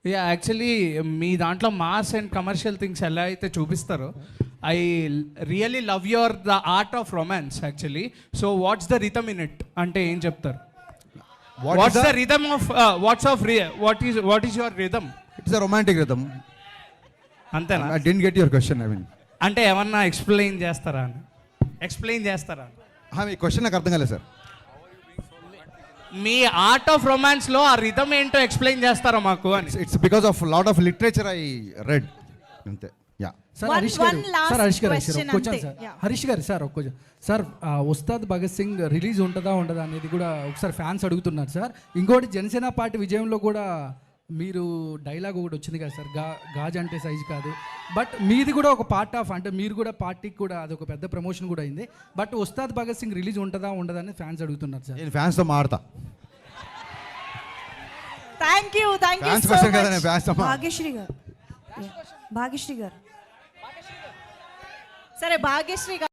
Actually మీ దాంట్లో mass and commercial things ఎలా అయితే చూపిస్తారో I really love your the art of romance actually. So what's the rhythm in it అంటే ఏం చెప్తారు? What's the rhythm of what is your rhythm? It's a romantic rhythm. అంతేనా? I didn't get your question. I mean అంటే ఏమన్నా explain చేస్తారా? మీ question నాకు అర్థం కాలేదు సార్. మీ ఆర్ట్ ఆఫ్ రొమాన్స్ లో ఆ రిథమ్ ఏంటో ఎక్స్ప్లెయిన్ చేస్తారా మాకు అని? It's because of lot of literature I read అంతే. యా సార్ హరీష్ గారు సార్ ఒక్క సార్ ఉస్తాద్ భగత్ సింగ్ రిలీజ్ ఉంటుందా ఉండదా అనేది కూడా ఒకసారి ఫ్యాన్స్ అడుగుతున్నారు సార్. ఇంకోటి జనసేన పార్టీ విజయంలో కూడా మీరు డైలాగ్ ఒకటి వచ్చింది కదా సార్, గాజ్ అంటే సైజు కాదు. బట్ మీది కూడా ఒక పార్ట్ ఆఫ్, అంటే మీరు కూడా పార్టీకి కూడా అది ఒక పెద్ద ప్రమోషన్ కూడా అయింది. బట్ ఉస్తాద్ భగత్ సింగ్ రిలీజ్ ఉంటుందా ఉండదా అని ఫ్యాన్స్ అడుగుతున్నారు సార్. నేను ఫ్యాన్స్తో మాడతా. థ్యాంక్ యూ భాగ్యశ్రీ గారు. సరే భాగ్యశ్రీ గారు